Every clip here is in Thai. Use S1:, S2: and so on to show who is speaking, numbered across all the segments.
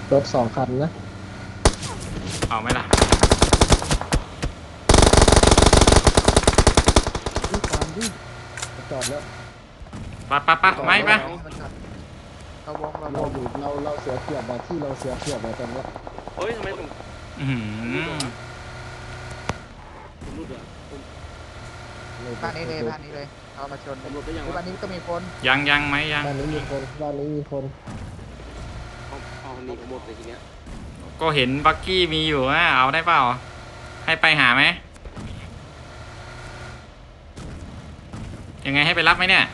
S1: รถ2 คันนะ
S2: เอาไหมล่ะ
S1: นี่ตามดิจอดแล้ว
S2: ปะไม่ปะ
S3: เราวงเราว
S1: เรา
S3: ง
S1: อยู่เราเสียเปรียบแบบที่เราเสียเปรียบแบบตอนนี้
S4: เฮ้ยทำไมผม
S2: อือหือ
S4: ผมรุดอ่ะผม
S3: บ้านนี้เลยบ้านนี้เลยเอามาชน
S4: ผมรุดได้ยัง
S3: บ้า
S4: วะ
S3: นนี้ก็มีคน
S2: ยังไหมยัง
S1: บ้านนี้มีคนบ้านนี้มีคน
S4: เอาหนีผมหมดเลยทีเนี้ย
S2: ก็เห็นบักกี้มีอยู่นะเอาได้เปล่าให้ไปหาไหมยังไงให้ไปรับไหมเนี่ย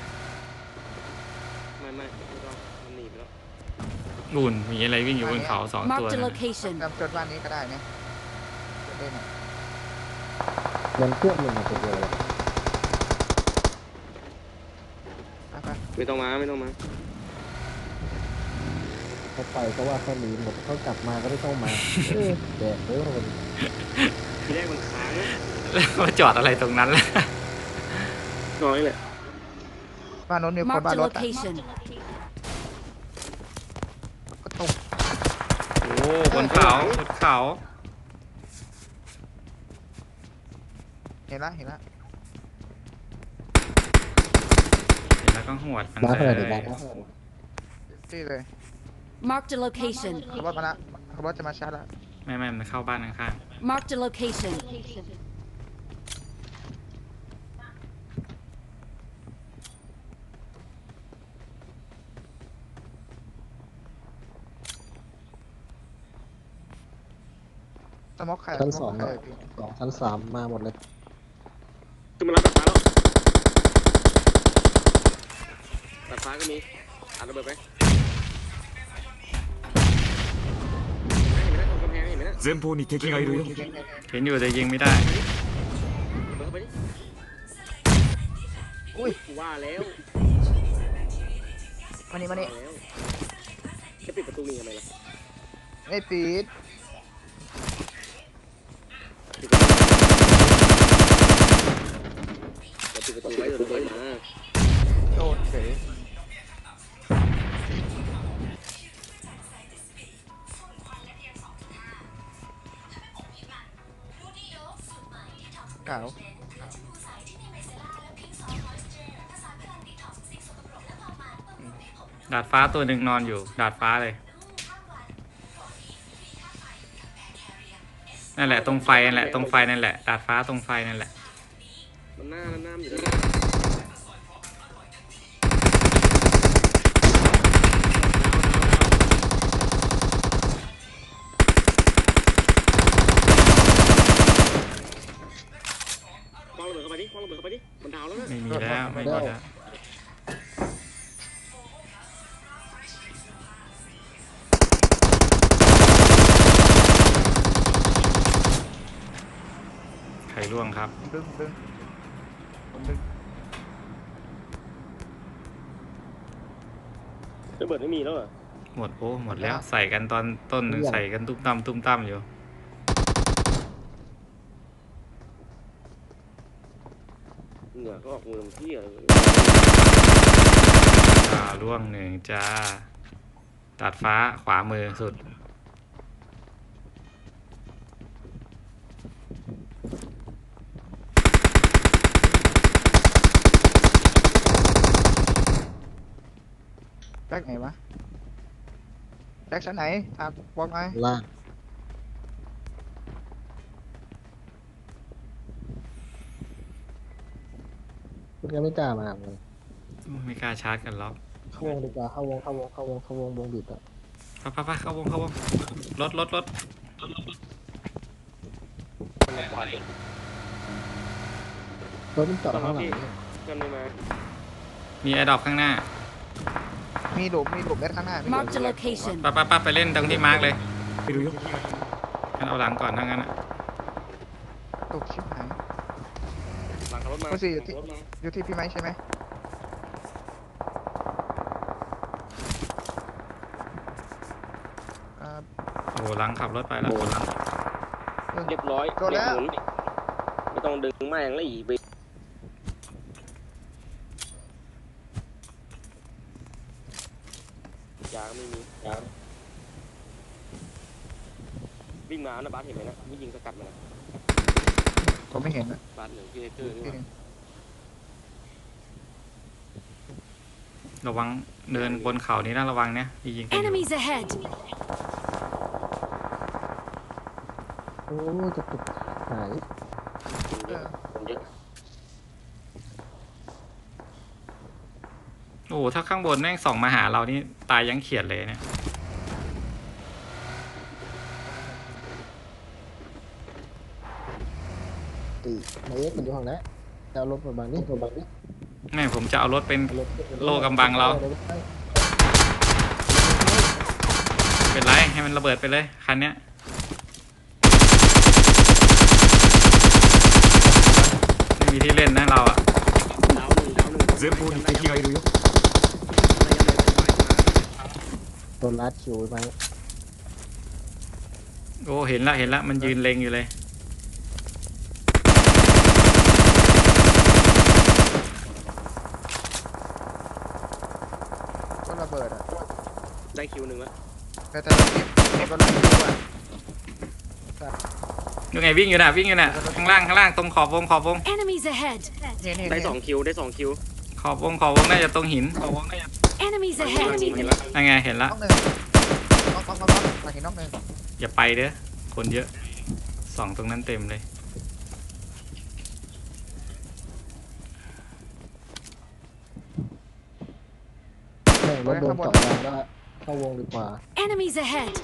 S4: ไม่ต้องมันหนีไปแล้ว
S2: นู่นมีอะไรวิ่งอยู่บนเขา2 ตัว
S5: Marked a
S2: นะ
S5: location.
S3: จำชนบ้านนี้ก็ได้เนี่ยจะเล่น
S1: มันเครื่องหนึ่งตัวเดียว
S3: ไป
S4: ไม่ต้องมา
S1: เขาไปเพราะว่าเขาหนีหมดเขากลับมาก็ไม่ต้องมาแดกเลยคน
S4: ทีแรกมันค้างนะ
S2: แล้วมาจอดอะไรตรงนั้นล่ะ
S4: น้อยแหละ
S3: บ้านโน้นมีคน
S5: Marked
S3: บ้าน
S5: a
S3: รถ
S5: location.
S3: ก็ตรง
S2: โอ้บนเขา
S3: เห็นละ
S2: เห็นแล้วก็หวดมัน
S1: บ้า
S2: เล
S1: เท่าไหร่เดี๋ย
S2: ยว
S1: บ้าเท่าไหร่
S3: ที่เลย
S5: Marked a location.
S3: เขาว่ามาละเขาว่าจะมาชาร์จละ
S2: ไม่มันเข้าบ้านข้าง
S5: Marked a location.
S3: สมอกไข่
S1: ชั้น
S3: ส
S1: ส
S3: ม
S1: อ
S3: อง กไข่พี่
S1: ชั้น 3มาหมดเลย
S4: คือมันรับตัดฟ้าแล้วตัดฟ้าก็มีอัดระเบิดไปเห็นไหมตรงกำแพงเห็นไหมนะ
S6: 前方に敵がいるよ
S2: ๆเห็นอยู่แต่ยิงไม่ได้
S4: ระเบิดเข้าไปดิ
S3: อุ้ย
S4: กูว่าแล้ว
S3: มานี่
S4: ว่าแล้วจะปิดประตูนี่ทำไมล่ะ
S3: ไม่ปิด
S4: ปิดประตูไว้เดี๋ยวระเบิดมา
S3: โดนเฉยเก่า
S2: ดาดฟ้าตัวหนึ่งนอนอยู่ดาดฟ้าเลยนั่นแหละตรงไฟนั่นแหละดาดฟ้าตรงไฟนั่นแหละ
S4: มันหน้ามันอยู่แล้วคว้างระเบิดเข้าไปดิมันดาวแล้วนะ
S2: ไม่มีแล้วใครร่วงครับ
S3: ดึงผมดึง
S4: ระเบิดไม่มีแล้วเหรอ
S2: หมดแล้วใส่กันตอนต้นหนึ่งใส่กันตุ้มตั้มอยู่
S4: เหงื่อก็ออกมือมันเที่ย
S2: ร่วงหนึ่งจ้าดาดฟ้าขวามือสุด
S3: แบ็กไหนวะแบ็กชั้นไหนบอกหน่อย
S1: ล่างคุณยังไม่กล้ามาเลย
S2: ไม่กล้าชาร์จกันล็อก
S1: เข้าวงดีกว่าเข้าวงวงบิดอ่ะ
S2: ไปเข้าวงรถ
S1: รถมันจอดข้างหลัง
S4: กันไม่มา
S2: มีแอร์ดรอปข้างหน้า
S3: มีหลุมแบ็กข้างหน้ามีหลุม
S5: Marked a location.
S2: ไปเล่นตรงที่มาร์กเลย
S6: いるよ
S2: งั้นเอาหลังก่อนทั้งนั้น
S3: ตกชิบหาย
S4: หลังขับรถมา
S3: โอ้สิ
S4: รถมา
S3: อยู่ที่พี่ไม้ใช่ไหม
S2: โอ้หลังขับรถไปแล้ว
S4: เรียบร้อย
S3: โดนแล้ว
S4: เบรกหมุนไม่ต้องดึงแม่งแล้วอีกยาก็ไม่มียาวิ่งมานะบาสเห็นไหมนะวิ่งยิงสกัดมานะ
S3: ผมไม่เห็นนะ
S4: บาสหนึ่งพี่เอเกอร์นี่หว่า
S2: ระวังเดินบนเขานี้นะระวังเนี่ยยิงกันอยู่
S5: Enemies ahead!
S1: โอ้จะตุกหาย
S4: คนเยอะ
S2: โอ้โหถ้าข้างบนแม่งส่องมาหาเรานี่ตายยังเขียดเลยเนี่ย
S1: ตีนายเอ็กซ์มันอยู่ห้องนั้นจะเอารถมาบังนี่มาบังนี่
S2: แม่ผมจะเอารถเป็น
S1: เอารถขึ้น
S2: โล่กำบังเรา เป็นไรให้มันระเบิดไปเลยคันเนี้ยไม่มีที่เล่นนะเราอะ
S4: ดาวหนึ่ง
S6: 前方に敵がいるよ。
S1: โดนลัดคิวไป
S2: โอ้เห็นละมันยืนเล็งอยู่เลย
S3: ก็ระเบิดอ่ะ
S4: ได้คิวหนึ่งแล้ว
S3: แต่เราเก็บก็ไล่คิวอ่ะ
S2: ยังไงวิ่งอยู่น่ะข้างล่างตรงขอบวง
S5: Enemies ahead!
S3: นี่
S4: ได้2 คิวได้2 คิว
S2: ขอบวงน่าจะตรงหิน
S5: Enemies
S4: เห็น
S5: ahead!
S4: แล้ว
S2: นั่นไงเห็นละ
S3: น้องหนึ่งน้องมาเห็นน้องหนึ่ง
S2: อย่าไปเด้อคนเยอะส่องตรงนั้นเต็มเลย
S1: แม่งรถโดนเจาะยางแล้วเข้าวงดีกว่า
S5: Enemies ahead!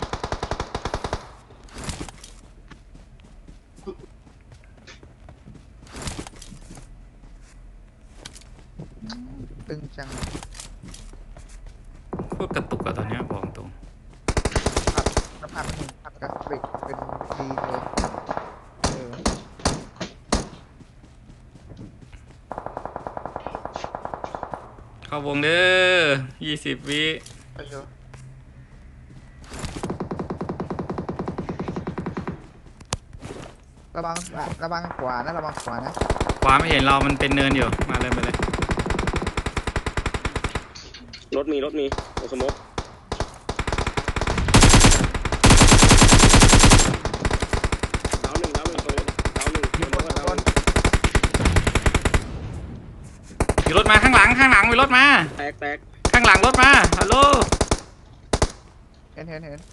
S3: ตึงจัง
S2: พวกกระตุกอะตอนเนี้ยบอกตรง
S3: น้ำผักเป็นผักกราฟิกเป็นดีเลยเออ
S2: เข้าวงเด้อ20 วิ
S3: ไปเยอะระวังขวานะระวังขวานะ
S2: ขวาไม่เห็นเรามันเป็นเนินอยู่มาเลย
S4: รถมีโอสโมกดาวหนึ่งตัวดาวหนึ่ง
S3: มีคน
S4: ดาวหนึ่ง
S2: มีรถมาข้างหลังมีรถมา
S4: แตก
S2: ข้างหลังรถมาฮัลโหล
S3: เห็น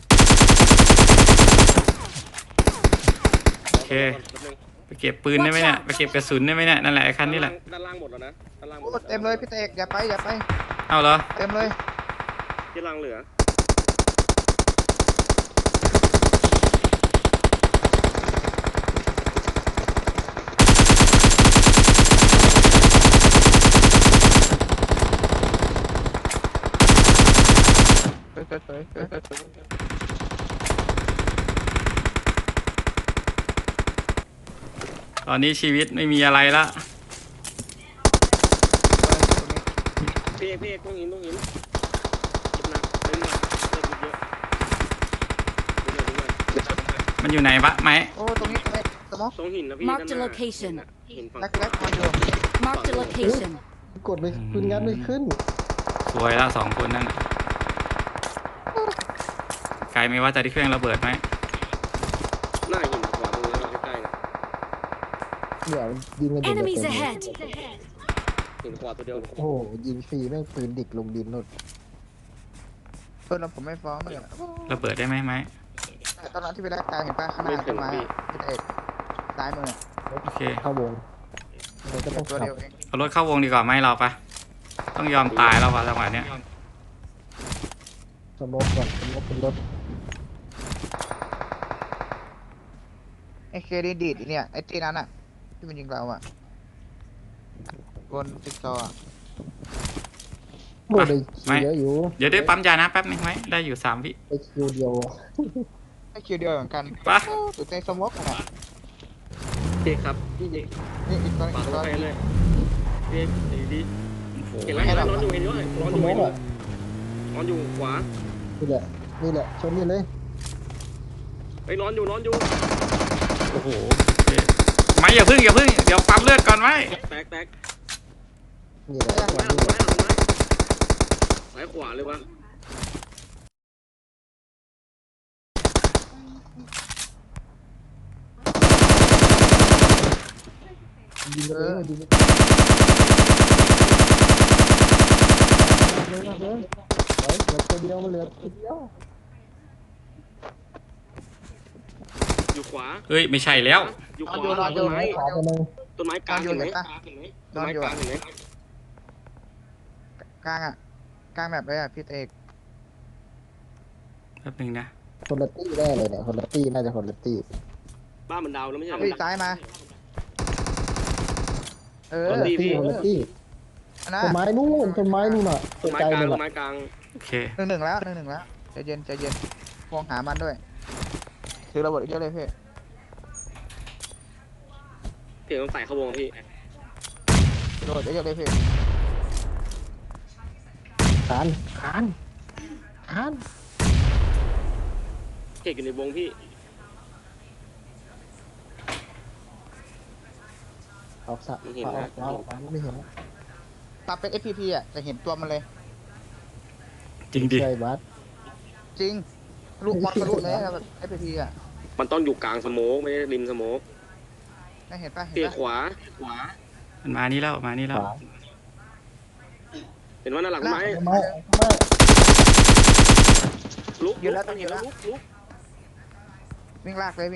S2: โอเคไปเก็บปืนได้ไหมเนี่ยไปเก็บกระสุนได้ไหมเนี่ยนั่นแหละไอ้คันนี้แหละ
S4: ด้านล่างหมดแล้วนะด้านล่างหม
S3: โอ้
S4: ด
S3: เต็มเลยพี่เตกอย่าไป
S2: เอาเหรอ
S3: เต็มเลย
S4: ที่ล่างเหลือ
S3: เฮ้ย
S2: ตอนนี้ชีวิตไม่มีอะไรละ
S4: พี่เอกต้องหินเก็บหนักเล่นหนักเล่นเยอะดูหน่อย
S2: มันอยู่ไหนวะไหม
S3: โอ้ตรงนี้สมอง
S4: ตรงหินนะพี่
S5: Mark the
S4: ด้านหน้า
S5: location
S4: หินฝั่ง
S3: แรกมันอยู่
S5: Marked a location.
S1: กดไม่ขึ้นงัดไม่ขึ้น
S2: สวยละ2 คนนั่นน่ะไกลไหมว่าจะที่เครื่องระเบิดไหม
S4: หน้าหินขวาตรงนี้ใกล้ๆนะ
S1: เดี๋ยวยิงกันอยู่เต็ม
S5: Enemies
S1: เลย
S5: ahead!
S4: หินขวาตัวเดียว
S1: โอ้โหยิงฟรีแม่งปืนดิกลงดินหมด
S3: เราผมไม่ฟ้องเลย
S2: ระเบิดได้ไหมไหม
S3: ตอนนั้นที่ไปได้กลางเห็นป่ะข้างหน้าต้นไม้พี่เตกซ้ายมือ
S2: โอเค
S1: เข้าวงมันก็ต้อง
S3: ตัว
S1: ขับ
S3: เดียวเอง
S2: เอารถเข้าวงดีกว่าไหมเราปะต้องยอมตายแล้ววะจังหวะเนี้ย
S1: สโมกก่อนสโมกเป็นรถ
S3: ไอ้เคดีดีดเนี่ยไอ้ตีนั้นอ่ะที่มันยิงเราอ่ะบนติ๊กซอว์
S1: โอ้ได้คิวเยอะอยู่
S2: เดี๋ยวได้ปั๊มยานะแป๊บนึงไหมได้อยู่3 วิ
S1: ได้คิวเดียว
S3: ไอ้คิวเดียวเหมือนกัน
S2: ปะ
S3: สุดในสมอกอ่ะ
S4: พี่ครับพี่เอก
S3: นี่อีกตัว
S4: ขวา
S3: อีก
S4: ตัว
S3: ตัว
S4: ไปเลยพี่ดี
S2: โอ้โห
S4: เห็นแล้วนอนอยู่เห็นด้วยนอน
S1: ส
S4: อยู่
S1: โม
S4: เห็
S1: ก
S4: นด้ว
S1: อ่ะ
S4: ยนอนอยู่ขวา
S1: นี่แหละชนนี่เลย
S4: ไปนอนอยู่
S2: โอ้โหโอเคไม่อย่าพึ่งเดี๋ยวปั๊มเลือดก่อนไหม
S4: แตก
S1: นี่แหละ
S4: หลังไม้ซ้ายขวาเลยวะ
S1: ยิงกันเองยิงกันเฮ้ยเหลือตัวเดียวมันเหลือตัวเดียว
S4: อยู่ขวา
S2: เฮ้ยไม่ใช่แล้ว
S4: อยู่ข
S3: นอน
S4: วา
S3: อยู่
S4: ต้นไม้กลางเห็นไหมต้นไม้กลางเห็นไหม
S3: กลางอ่ะกลางแบบเลยอ่ะพี่เอก
S2: แป๊บนึงนะ
S1: คนละตี้แน่เลยเนี่ยคนละตี้น่าจะคนละตี้
S4: บ้านมันดาวแล้วไม่ใช่เหรอ
S3: พี่ซ้ายมา
S1: คนละตี้คนละตี้
S3: อันนะ
S1: ต้นไม้นู่นต้นไม้นู่นอ่ะ
S4: ต้นไม้
S1: ไกล
S4: กลาง
S1: เลย
S4: ต้น
S1: อ่ะ
S4: ไม้กลาง
S2: โอเค
S3: หนึ่งแล้วใจเย็นมองหามันด้วยถือระเบิดเยอะเลยพี่
S4: เพียงต้องใส่เข้าวงพี่
S3: ระเบิดเยอะเลยพี่
S1: ขาน
S4: เพียงอยู่ในวงพี่
S1: ออกสะออกไม่เห็น
S3: ปรับเป็น FPP อ่ะจะเห็นตัวมันเลย
S2: จริงดิ
S1: ใช่บัส
S3: จริงลูกมอนทะลุเลยแบบ FPP อ่ะ
S4: มันต้องอยู่กลางสโมกไม่ได้ริมสโมก
S3: เห็นป่ะ
S4: เพียงขวา
S2: มันมานี่แล้วมานี่แล้ว
S1: ขวา
S4: เห็นว่าหน้าหลังไม้
S1: ไม่
S4: ลุก
S3: วิ่งลากเลย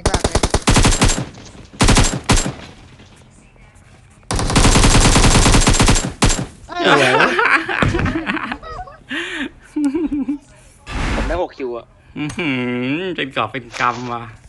S4: ผมได้6 คิวอะ
S2: เป็นกอบเป็นกำว่ะ